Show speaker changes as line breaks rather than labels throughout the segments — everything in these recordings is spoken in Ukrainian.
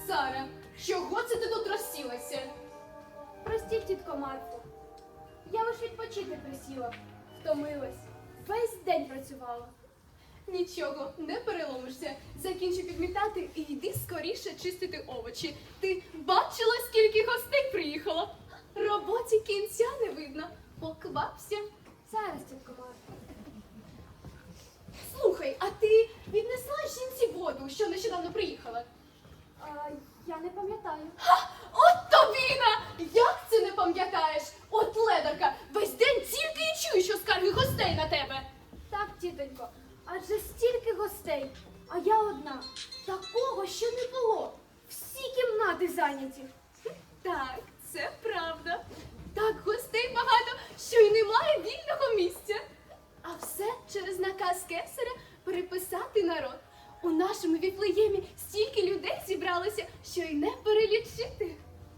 Сара, чого це ти тут розсілася?
Простіть, тітко Марфо. Я лише відпочити присіла. Втомилась. Весь день працювала.
Нічого, не переломишся. Закінчи підмітати і йди скоріше чистити овочі. Ти бачила, скільки гостей приїхало? Роботі кінця не видно. Поквапся.
Зараз, тітко Марфо.
Слухай, а ти віднесла жінці воду, що нещодавно приїхала?
Я не пам'ятаю.
От тобіна! Як це не пам'ятаєш? От ледарка, весь день тільки і чую, що скарги гостей на тебе.
Так, тітонько, адже стільки гостей, а я одна. Такого ще не було. Всі кімнати зайняті.
Так, це правда. Так гостей багато, що й немає вільного місця. А все через наказ кесаря переписати народ. У нашому Віфлеємі стільки людей зібралося, що й не перелічити.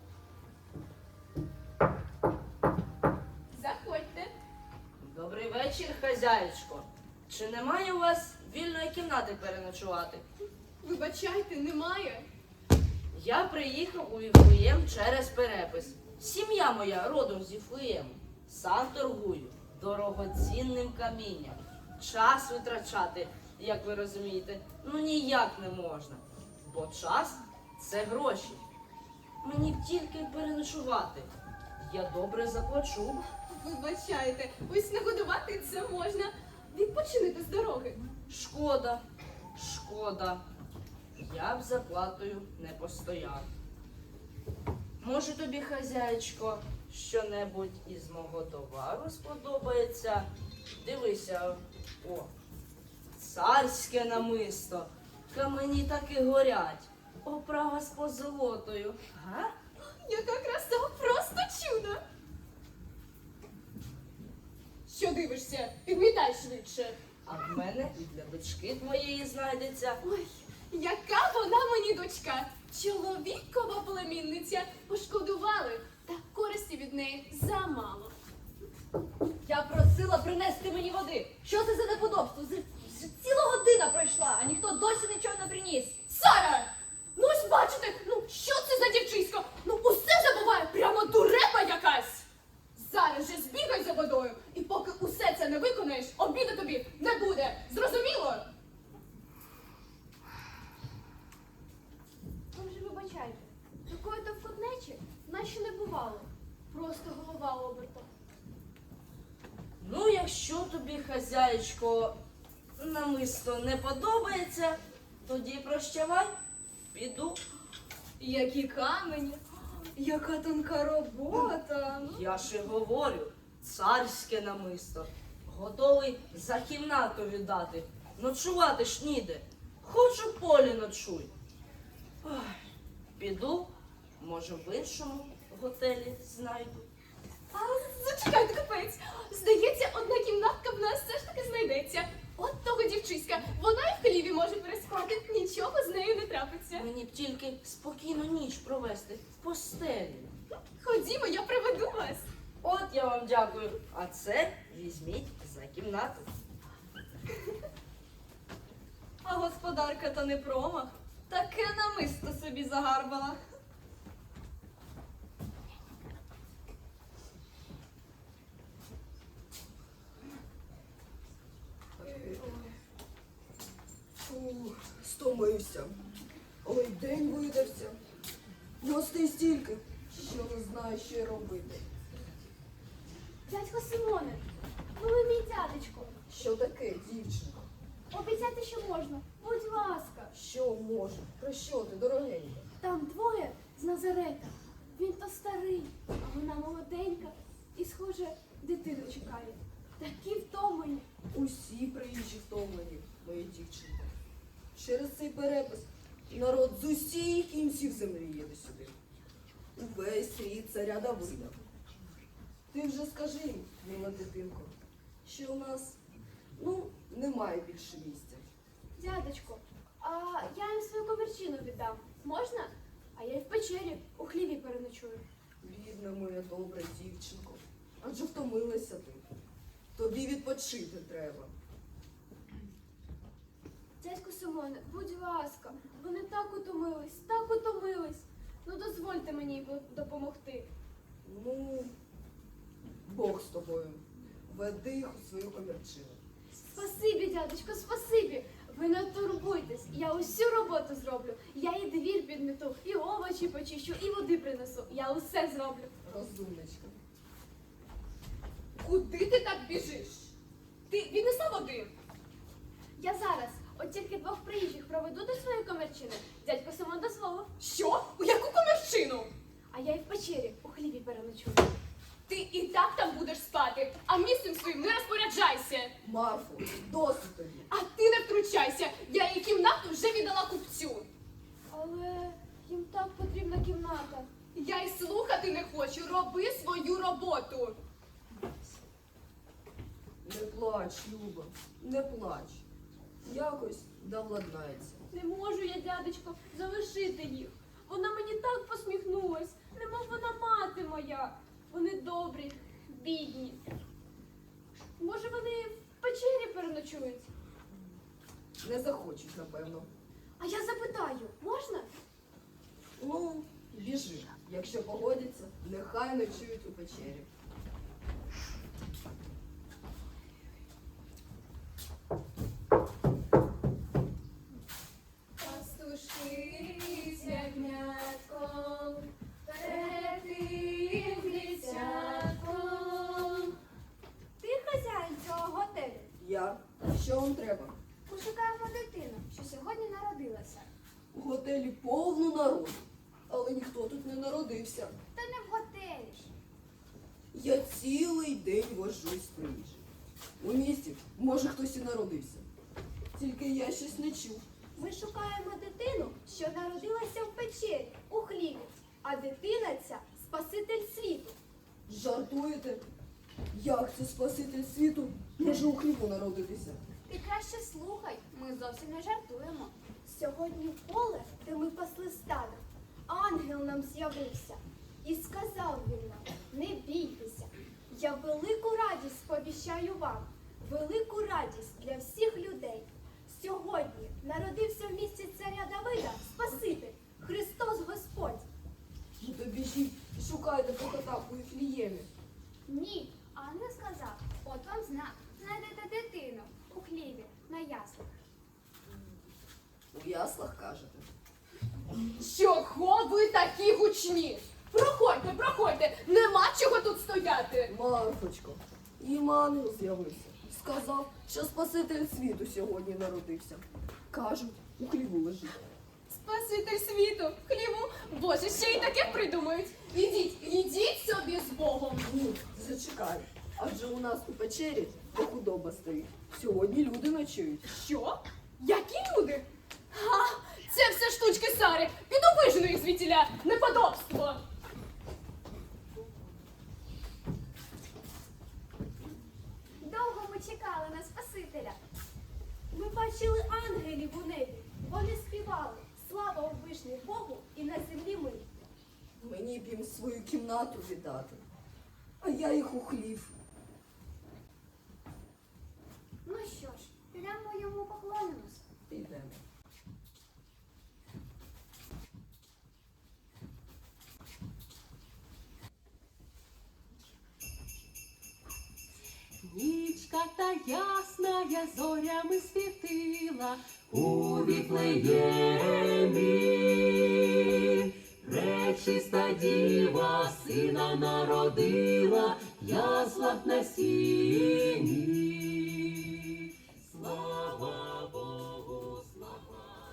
Заходьте.
Добрий вечір, хазяєчко. Чи немає у вас вільної кімнати переночувати?
Вибачайте, немає.
Я приїхав у Віфлеєм через перепис. Сім'я моя родом з Віфлеєму. Сам торгую дорогоцінним камінням. Час витрачати, як ви розумієте, ніяк не можна. Бо час – це гроші. Мені б тільки переночувати. Я добре заплачу.
Вибачайте, ось нагодувати це можна. Відпочинете з дороги.
Шкода, шкода. Я б за платою не постояв. Може тобі, хазяєчко, що-небудь із мого товару сподобається? Дивися, о, царське намисто. Камені так і горять. Оправа з позолотою. Га?
Яка краса, просто чудо! Що дивишся? Підмітай швидше.
А в мене і для дочки твоєї знайдеться.
Ой, яка вона мені дочка! Чоловікова племінниця. Пошкодували, та користі від неї замало.
Я просила принести мені води. Що це за неподобство? Ціла година пройшла, а ніхто досі нічого не приніс.
Сара! Ну ось бачите, що це за дівчисько? Усе забуває, прямо дурепа якась! Зараз же збігай за водою, і поки усе це не виконаєш, обіду тобі не буде. Зрозуміло?
Ви вже вибачайте. Такої то вкотнечі нас ще не бувало. Просто голова обертом.
Якщо тобі, хазяєчко, намисто не подобається, тоді прощавай, піду.
Які камені, яка тонка робота.
Я ж і говорю, царське намисто. Готовий за кімнату віддати. Ночувати ж ніде. Хоч у полі ночуй. Ой, піду, може в іншому готелі знайду.
А зачекайте, капець. Здається, одна кімнатка в нас все ж таки знайдеться. От того дівчиська, вона і в хліві може переспати, нічого з нею не трапиться.
Мені б тільки спокійно ніч провести в постелі.
Ходімо, я приведу вас.
От я вам дякую. А це візьміть за кімнату.
А господарка то не промах. Таке намисто собі загарбала.
Стомився. Ой, день видався. Гостей стільки, що не знаю, що й робити.
Дядько Симоне, ви мій дядечко.
Що таке, дівчинко?
Обіцяйте, що можна. Будь ласка.
Що може? Про що ти, дорогенька?
Там двоє з Назарета. Він то старий, а вона молоденька і, схоже, дитину чекає. Такі втомлені.
Усі приїжджі втомлені, моя дівчинко. Через цей перепис народ з усіх кінців землі їде сюди. Увесь рід царя Давида. Ти вже скажи їм, мила дитинко, що у нас, немає більше місця.
Дядечко, а я їм свою комірчину віддам. Можна? А я й в печері у хліві переночую.
Бідна моя добра дівчинко, адже втомилася ти. Тобі відпочити треба.
Дядько Симоне, будь ласка, вони так утомились, так утомились. Ну дозвольте мені допомогти.
Ну, Бог з тобою. Веди їх у свою комірчину.
Спасибі, дядечко, спасибі. Ви не турбуйтесь, я усю роботу зроблю. Я і двір підмету, і овочі почищу, і води принесу. Я усе зроблю.
Розумничка.
Куди ти так біжиш? Ти віднесла води?
Я зараз, от тільки двох приїжджих проведу до своєї комірчини. Дядько Симон дозволив.
Що? У яку комірчину?
А я і в печері у хліві переночую.
Ти і так там будеш спати, а місцем своїм не розпоряджайся.
Марфо, досить тобі.
А ти не втручайся. Я її кімнату вже віддала купцю.
Але їм так потрібна кімната.
Я й слухати не хочу. Роби свою роботу.
Не плач, Люба, не плач. Якось да владнається.
Не можу я, дядечко, залишити їх. Вона мені так посміхнулась, немов вона мати моя. Вони добрі, бідні. Може, вони в печері переночують?
Не захочуть, напевно.
А я запитаю, можна?
Ну, біжи. Якщо погодяться, нехай ночують у печері.
Пастушки ягнятком, перед тим дитятком.
Ти хазяїн цього готелю.
Я? Що вам треба?
Ми шукаємо дитину, що сьогодні народилася.
У готелі повно народу, але ніхто тут не народився.
Та не в готелі ж.
Я цілий день вожусь по їжі. У місті, може, хтось і народився. Тільки я щось не чув.
Ми шукаємо дитину, що народилася в печері, у хліві. А дитина ця Спаситель світу.
Жартуєте? Як це Спаситель світу може у хлібу народитися?
Ти краще слухай, ми зовсім не жартуємо. Сьогодні в поле, де ми пасли стадо, ангел нам з'явився. І сказав він нам, не бійтеся, я велику радість сповіщаю вам, велику радість для всіх людей. Сьогодні народився в місті царя Давида Спаситель, Христос Господь.
Ну то біжіть і шукайте кота у Віфліємі.
Ні, ангел сказав, от вам знак, знайдете дитину у хліві на яслах.
У яслах кажете.
Чого ви такі гучні? Проходьте, проходьте, нема чого тут стояти.
Марфочко, їм ангел з'явився. Сказав, що Спаситель світу сьогодні народився. Кажуть, у хліву лежить.
Спаситель світу, хліву, Боже, ще й таке придумають. Ідіть собі з Богом.
Ні, зачекай. Адже у нас у печері де худоба стоїть. Сьогодні люди ночують.
Що? Які люди? Ха, це все штучки Сари. Піду вижену їх звідтіля. Неподобство.
Довго ми чекали на Спасителя.
Ми бачили ангелів у небі. Вони співали. Слава у вишні Богу і на землі ми.
Мені б їм свою кімнату віддати. А я їх у хлів.
Ну що ж, підемо йому поклонимось.
Підемо.
Нічка та ясна я зорями світила у Віфлеємі. Пречиста діва сина народила, яслах на сіні. Слава Богу, слава.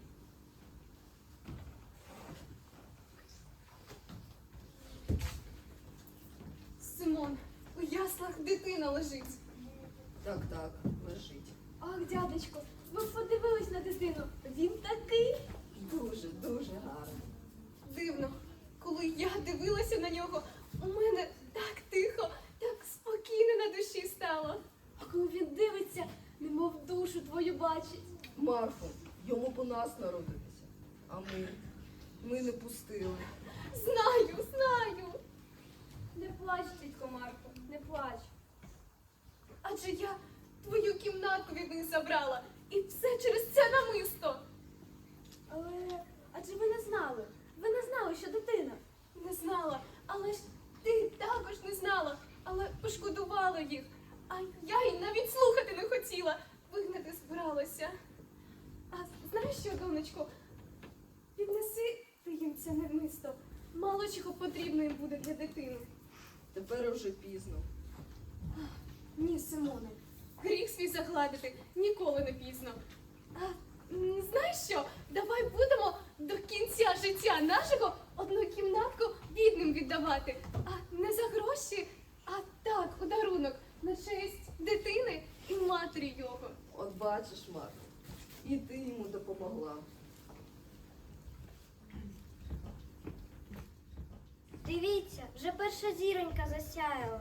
Симон, у яслах дитина лежить.
Так, лежить.
Ах, дядечко, ви подивились на дитину. Він такий.
Дуже, дуже гарно.
Дивно, коли я дивилася на нього, у мене так тихо, так спокійно на душі стало.
А коли він дивиться, немов душу твою бачить.
Марфо, йому б у нас народитися. А ми не пустили.
Знаю.
Не плач, тітко Марко, не плач.
Адже я твою кімнатку від них забрала І все через це намисто.
Але адже ви не знали. Ви не знали, що дитина.
Не знала, але ж ти також не знала, але пошкодувала їх. А я й навіть слухати не хотіла, вигнати збиралася. А знаєш що, донечко, піднеси ти їм це намисто. Мало чого потрібно їм буде для дитини.
Тепер уже пізно.
Ні, Симоне, гріх свій загладити ніколи не пізно. А знаєш що? Давай будемо до кінця життя нашого одну кімнатку бідним віддавати. А не за гроші, а так, у дарунок на честь дитини і матері його.
От бачиш, Марко, і ти йому допомогла.
Дивіться, вже перша зіронька засяяла.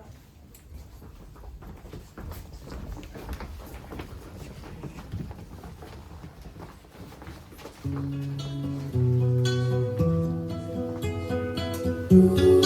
Thank you.